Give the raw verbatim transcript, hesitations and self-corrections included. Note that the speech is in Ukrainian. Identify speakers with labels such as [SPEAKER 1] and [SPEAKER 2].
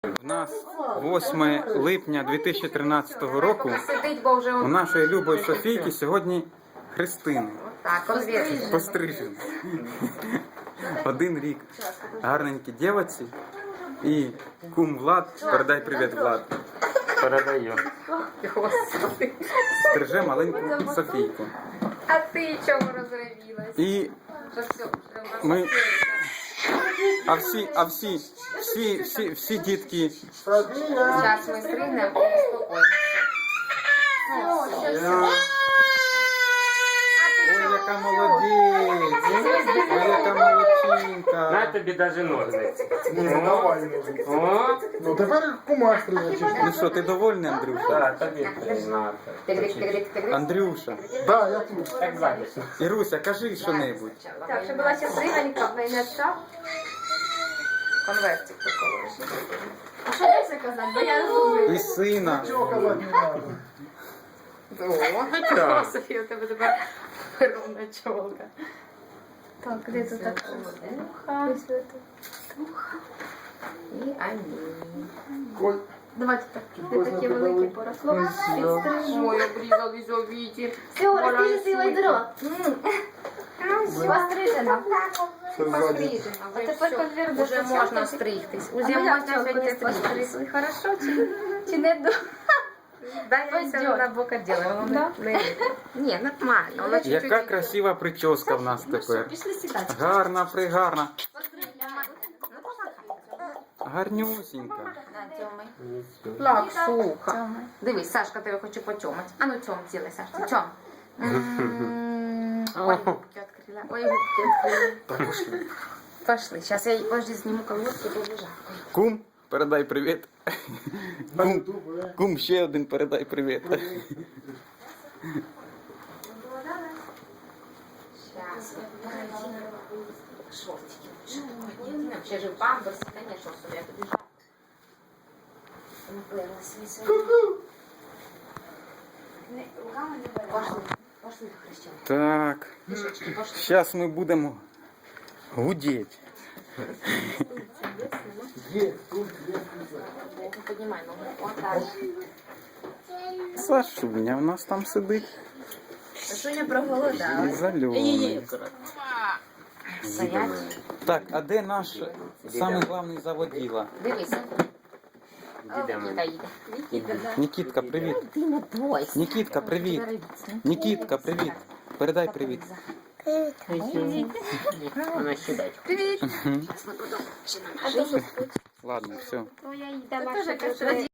[SPEAKER 1] У нас восьме липня дві тисячі тринадцятого року. У нашої любої Софійки сьогодні хрестини. Пострижені. Один рік. Гарненькі дівці. І кум Влад. Передай привіт, Влад.
[SPEAKER 2] Передаю.
[SPEAKER 1] Стриже маленьку Софійку.
[SPEAKER 3] А ти чому розревілась?
[SPEAKER 1] І ми... А всі, а всі, всі, всі, всі дітки...
[SPEAKER 3] Зараз ми стригнемо і успокоїмося.
[SPEAKER 1] Ой, яка молодець! Ой, яка молодчинка!
[SPEAKER 2] На тобі даже ножниці.
[SPEAKER 4] Ні, ну давай не.
[SPEAKER 2] О,
[SPEAKER 4] Ну тепер кумаш стрижечись.
[SPEAKER 1] Ну що, ти довольний, Андрюша?
[SPEAKER 2] так, тобі признати.
[SPEAKER 1] Андрюша.
[SPEAKER 4] Да, я тут.
[SPEAKER 2] Так записно.
[SPEAKER 1] Іруся, кажи що-небудь.
[SPEAKER 3] Так, щоб була щасливенька, в неї не став. Конвертик такого. А що далі казати? Бо я розумію.
[SPEAKER 1] І сина.
[SPEAKER 4] Чого казати не треба?
[SPEAKER 3] О, Софія, у тебе тепер ровна чолка. Так, де тут так? Туха. Туха. І амінь.
[SPEAKER 4] Ой,
[SPEAKER 3] Давайте так, де такі великі поросло. Підстрижу. Ой, обрізали зовіті. Все, розпілися дрот. Пострижено.
[SPEAKER 4] це ззаді.
[SPEAKER 3] Пострижено. А тепер конверт вже можна стригтись. Уже можна сьогодні постригти. Хорошо чи, чи не до? Дай я це на бока ділаю. Воно не... Ні, нормально. Воно чуть-чуть...
[SPEAKER 1] Яка красива прическа в нас тепер.
[SPEAKER 3] Пішли сідати.
[SPEAKER 1] Гарна, пригарна. Гарнюсінька.
[SPEAKER 3] Лак, сухо. Дивись, Сашка тебе хоче потьомати. А ну тьом цілий, Сашка, тьом. М, Ой, губки відкрила. Ой, губки відкрила.
[SPEAKER 4] Так пошли.
[SPEAKER 3] Пошли, зараз я подожди, зніму колодки, бо вже жарко.
[SPEAKER 1] Кум, передай привіт.
[SPEAKER 4] На
[SPEAKER 1] Кум,
[SPEAKER 4] ютуб, е.
[SPEAKER 1] кум, ще один передай привіт.
[SPEAKER 3] Сейчас. Шортики. Ще ж памперс, конечно, собі я тобі жарко. Наплилась весь. Пошли, пошли, Христина.
[SPEAKER 1] Так,
[SPEAKER 3] Пішечки, пошли.
[SPEAKER 1] зараз ми будемо гудіти.
[SPEAKER 4] Є, тут є.
[SPEAKER 3] Поднимай ногу. Вот так.
[SPEAKER 1] Сашуня у нас там сидить.
[SPEAKER 3] Сашуня проголодалась.
[SPEAKER 1] Зальоний.
[SPEAKER 3] Стоять.
[SPEAKER 1] Так, а де наш самий главний заводіла?
[SPEAKER 3] Дивися.
[SPEAKER 2] Дідемо.
[SPEAKER 3] Нікіта їде.
[SPEAKER 1] Нікітка, привіт.
[SPEAKER 3] Ти не бойся.
[SPEAKER 1] Нікітка, привіт. Нікітка, привіт. Передай привіт.
[SPEAKER 2] Вона сідать.
[SPEAKER 3] Привіт.
[SPEAKER 1] Ладно, все.
[SPEAKER 3] Твоя їда ваша.